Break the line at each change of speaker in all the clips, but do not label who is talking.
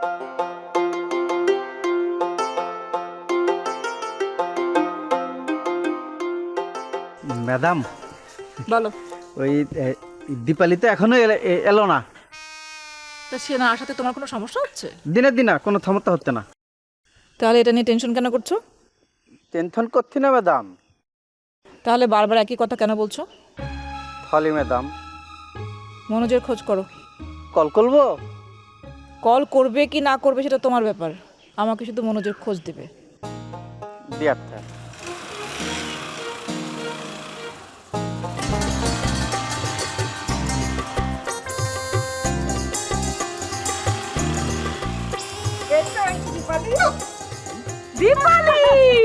Madam
বলো।
ওই দীপালি তো এখনো এলো না।
তা সে না আসাতে তোমার কোনো সমস্যা হচ্ছে?
দিনের দিন কোনো সমস্যা হচ্ছে না।
তাহলে এটা নিয়ে টেনশন কেন করছো?
টেনশন করছি না ম্যাডাম।
তাহলে বারবার একই কথা কেন বলছো?
ফলি ম্যাডাম,
মনোজের খোঁজ করো।
কল করবো?
কল করবে কি না করবে সেটা তোমার ব্যাপার, আমাকে শুধু মনোজের খোঁজ দেবে।
জি আচ্ছা।
Deepali,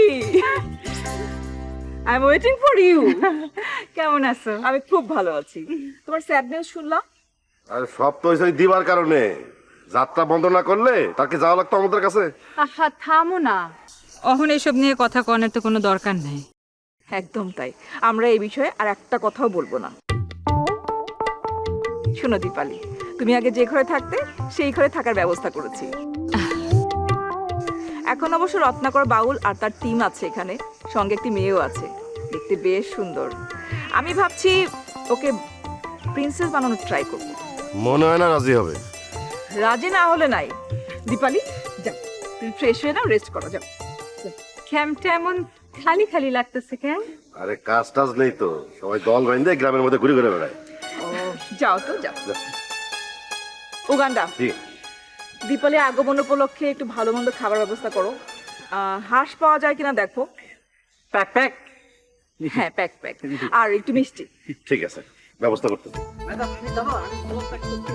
I am waiting for you. কেমন আছো? আমি খুব ভালো আছি। তোমার স্যাড নিউজ শুনলাম।
আর সব তো ওই দিবার কারণে যাত্রা বন্ধ না করলে তাকে যাওয়া লাগতো আমাদের কাছে।
আহা থামো না, অহন এসব নিয়ে কথা কনের তো কোনো দরকার নেই।
একদম তাই, আমরা এই বিষয়ে আর একটা কথাও বলবো না। শোনো দীপালি, তুমি আগে যে ঘরে থাকতে সেই ঘরে থাকার ব্যবস্থা করেছি। এখন অবশ্য রত্নাকর বাউল আর তার টিম আছে এখানে, সঙ্গে একটি মেয়েও আছে, দেখতে বেশ সুন্দর। আমি ভাবছি ওকে প্রিন্সেস বানানোর ট্রাই করবো।
মনে হয় না রাজি হবে।
রাজি না হলে নাই। দীপালি যাও, তুমি ফ্রেশ হয়ে নাও, রেস্ট করো, যাও।
ক্যাম্পটা এমন খালি খালি লাগতেছে কেন?
আরে কাজ টাজ নেই তো, সবাই দল বাইন্দে গ্রামের মধ্যে ঘুরে ঘুরে বেড়ায়।
যাও তো যাও। উগান্ডা,
জি।
দীপালি আগমন উপলক্ষে একটু ভালো মন্দ খাবার ব্যবস্থা করো। হাঁস পাওয়া যায় কিনা দেখো।
Pack pack.
হ্যাঁ, প্যাক প্যাক, আর একটু মিষ্টি।
ঠিক আছে, ব্যবস্থা করতে।
ম্যাডাম তুমি জানো আমি খবর প্যাক করছি।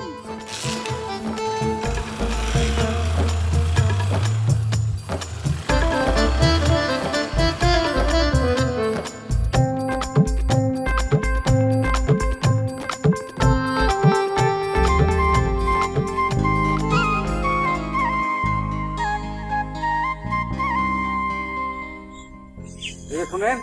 শুনেন,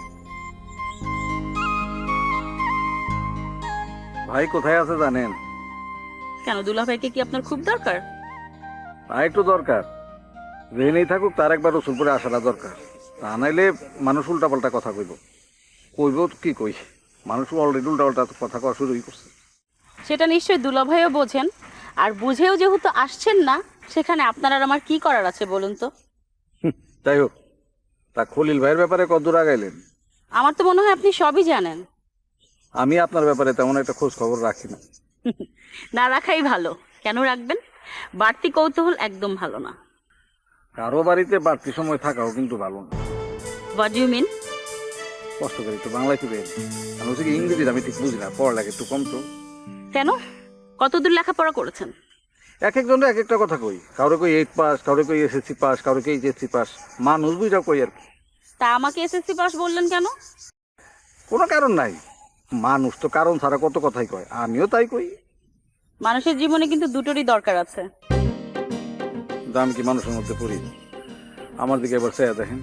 ভাই কোথায় আছে জানেন?
কেন, দুলাভাইকে কি আপনার খুব দরকার?
ভাই একটু দরকার, রেনেই থাকুক, তার একবার রসুলপুরে আসাটা দরকার। তা নাইলে মানুষ উল্টাপাল্টা কথা কইব। কইব কি কই, মানুষ অলরেডি উল্টাপাল্টা কথা কওয়া শুরুই করছে।
সেটা নিশ্চয়ই দুলাভাইও বোঝেন, আর বুঝেও যেহেতু আসছেন না, সেখানে আপনার আর আমার কি করার আছে বলুন তো?
যাই হোক, তা খলিল ভাইয়ের ব্যাপারে কতদূর আগাইলেন?
আমার তো মনে হয় আপনি সবই জানেন।
আমি আপনার ব্যাপারে তেমন একটা খোঁজ খবর রাখি না।
না রাখাই ভালো। কেন রাখবেন? বাড়তি কৌতূহল একদম ভালো না।
কারো বাড়িতে বাড়তি সময় থাকাও কিন্তু ভালো না।
What you mean?
কষ্ট করে একটু বাংলায় ফিরে আমি হচ্ছে কি ইংরেজিটা আমি ঠিক বুঝি না, পড়ালেখা একটু কম তো।
কেন, কতদূর লেখাপড়া করেছেন?
এক একজনের এক একটা কথা কই, কারো কই 8 পাস, কারো কই এসএসসি পাস, কারো কই এইচএসসি পাস, মানুষ বুঝা কই আর কি।
তা আমাকে এসএসসি পাস বললেন কেন?
কোনো কারণ নাই, মানুষ তো কারণ ছাড়া কত কথাই কয়, আমিও তাই কই।
মানুষের জীবনে কিন্তু দুটোরই দরকার আছে।
কিন্তু আমি কি মানুষের মধ্যে পড়ি? আমার দিকে এবার চেয়ে দেখেন।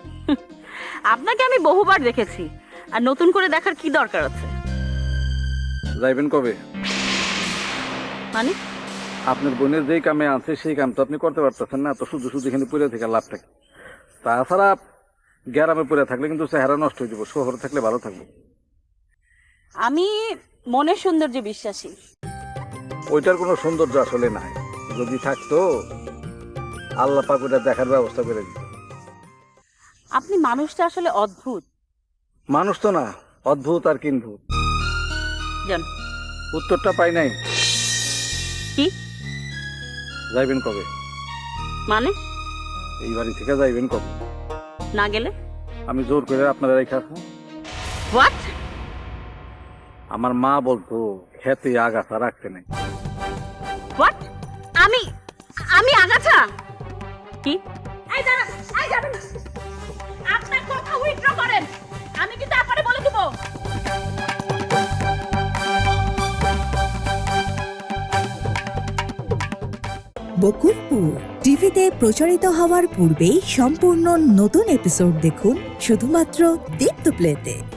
আপনাকে আমি বহুবার দেখেছি, আর নতুন করে দেখার কি দরকার আছে?
যাইবেন কবে?
মানে
আপনার বোনের যেই কামে আছে সেই কাম তো আপনি করতে পারতেছেন না, তো শুধু শুধু এখানে পড়ে থেকে লাভটা কি? তাছাড়া গ্রামে পড়ে থাকলে কিন্তু চেহারা নষ্ট হয়ে যাবো, শহরে থাকলে ভালো থাকবো।
আমি মনের সৌন্দর্যে বিশ্বাসী।
ওইটার কোনো সৌন্দর্য আসলে নাই, যদি থাকতো আল্লাহ পাক ওটা দেখার ব্যবস্থা করে দিত।
আপনি মানুষটা আসলে অদ্ভুত।
মানুষ তো না, অদ্ভুত আর কিনভূত।
জান,
উত্তরটা পাই নাই।
কি
যাইবেন কবে?
মানে
এই বাড়ি থেকে যাইবেন কবে?
না গেলে?
আমি জোর করে আপনারা রেখে আসবো?
হোয়াট?
আমার মা বলতো খেতে আগাছা রাখতে নাই।
হোয়াট? আমি আমি আগাছা? কি? এই দাঁড়ান, এই যাবেন না। আপনার কথা উইথড্র করেন, আমি কিন্তু আপনারে বলে দেব।
বকুলপুর টিভিতে প্রচারিত হওয়ার পূর্বেই সম্পূর্ণ নতুন এপিসোড দেখুন শুধুমাত্র দীপ্ত প্লেতে।